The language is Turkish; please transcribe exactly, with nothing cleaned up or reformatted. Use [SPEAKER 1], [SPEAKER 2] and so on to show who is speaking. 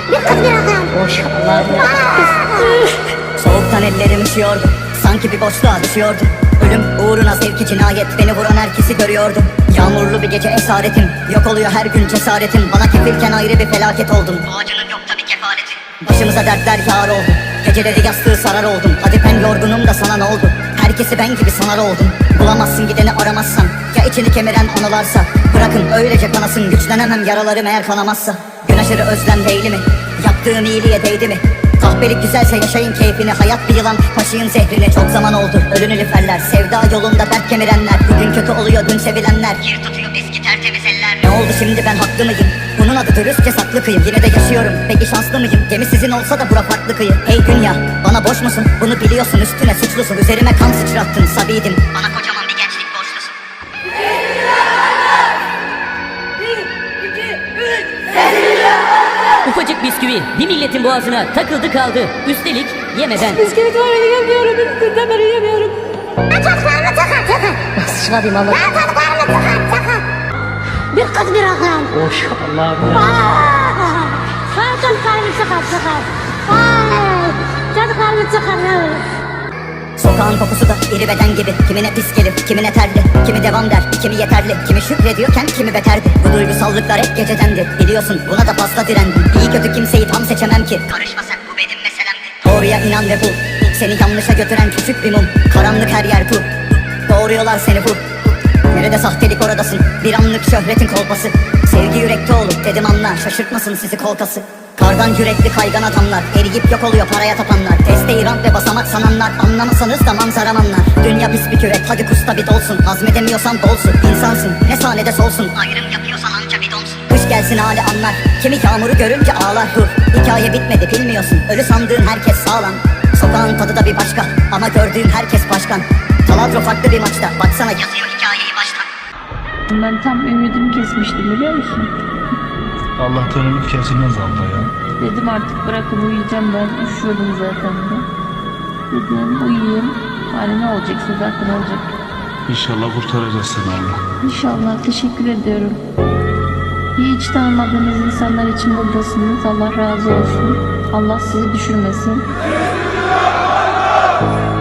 [SPEAKER 1] Bir kız bir adam.
[SPEAKER 2] Boş Allah'ım.
[SPEAKER 3] Soğuktan ellerim üşüyordu, sanki bir boşluğa düşüyordum. Ölüm uğruna sevki cinayet, beni vuran herkesi görüyordum. Yağmurlu bir gece esaretim, yok oluyor her gün cesaretim. Bana kefilken ayrı bir felaket oldum. Bu acının yok tabi kefareti. Başımıza dertler yağar oldu, geceleri yastığı sarar oldum. Hadi ben yorgunum da sana ne oldu? Herkesi ben gibi sanar oldum. Bulamazsın gideni aramazsan, ya içini kemiren anılarsa. Bırakın öylece kanasın, güçlenemem yaralarım eğer kanamazsa. Gün aşırı özlem değil mi? Yaptığım iyiliğe değdi mi? Kahpelik güzelse yaşayın keyfini, hayat bir yılan taşıyın zehrini. Çok zaman oldu ölünü lüferler, sevda yolunda dert kemirenler. Bugün kötü oluyor dün sevilenler, kir tutuyor eski tertemiz eller. Ne oldu şimdi ben haklı mıyım? Bunun adı dürüstçe saklı kıyım. Yine de yaşıyorum, peki şanslı mıyım? Gemi sizin olsa da bura farklı kıyı. Hey dünya, bana boş musun? Bunu biliyorsun, üstüne suçlusun. Üzerime kan sıçrattın sabiydim, bana kocaman bir gençlik borçlusun.
[SPEAKER 2] Ufacık bisküvi bir milletin boğazına takıldı kaldı. Üstelik yemeden.
[SPEAKER 4] Bisküvi var yiyemiyorum. Üstünden beri yiyemiyorum.
[SPEAKER 1] Ben çocuklarımı tıkar tıkar.
[SPEAKER 2] Sıçradım ama.
[SPEAKER 1] Ben çocuklarımı tıkar tıkar. Bir kız bir adam.
[SPEAKER 2] Boş Allah'ım.
[SPEAKER 1] Aa, ben çocuklarımı tıkar tıkar. Ay, çocuklarımı tıkar.
[SPEAKER 3] Sokağın kokusu da iri beden gibi. Kimine pis gelir, kimine terli. Kimi devam der, kimi yeterli. Kimi şükrediyorken kimi beterdi. Bu duygusallıklar hep gecedendi. Biliyorsun buna da fazla direndim. İyi kötü kimseyi tam seçemem ki. Karışmasak bu benim meselemdi. Doğruya inan ve bul. Seni yanlışa götüren küçük bir mum. Karanlık her yer bu. Doğruyorlar seni bu. Nerede sahtelik oradasın. Bir anlık şöhretin kolpası. Sevgi yürekte olur dedim anla. Şaşırtmasın sizi kolkası. Kardan yürekli kaygan adamlar, eriyip yok oluyor paraya tapanlar. Desteği ramp ve basamak sananlar, anlamasanız da manzaramanlar. Dünya pis bir kürek, hadi kusta bir dolsun. Hazmedemiyorsan dolsun, insansın ne sahnede solsun. Ayrım yapıyorsan anca bir donsun. Kış gelsin hali anlar, kimi yağmuru görünce ağlar. Dur, hikaye bitmedi bilmiyorsun, ölü sandığın herkes sağlam. Sokağın tadı da bir başka, ama gördüğün herkes başkan. Taladro farklı bir maçta, baksana yazıyor hikayeyi baştan.
[SPEAKER 4] Ben tam ümidimi kesmiştim biliyor musun?
[SPEAKER 5] Allah'tan ümit kesilmez abla ya.
[SPEAKER 4] Dedim artık bırakın uyuyacağım, ben üşüyordum zaten de. Dedim uyuyayım. Hani ne olacaksa zaten olacak.
[SPEAKER 5] İnşallah kurtaracağız seni Allah.
[SPEAKER 4] İnşallah, teşekkür ediyorum. Hiç tanımadığınız insanlar için buradasınız. Allah razı olsun. Allah sizi düşürmesin.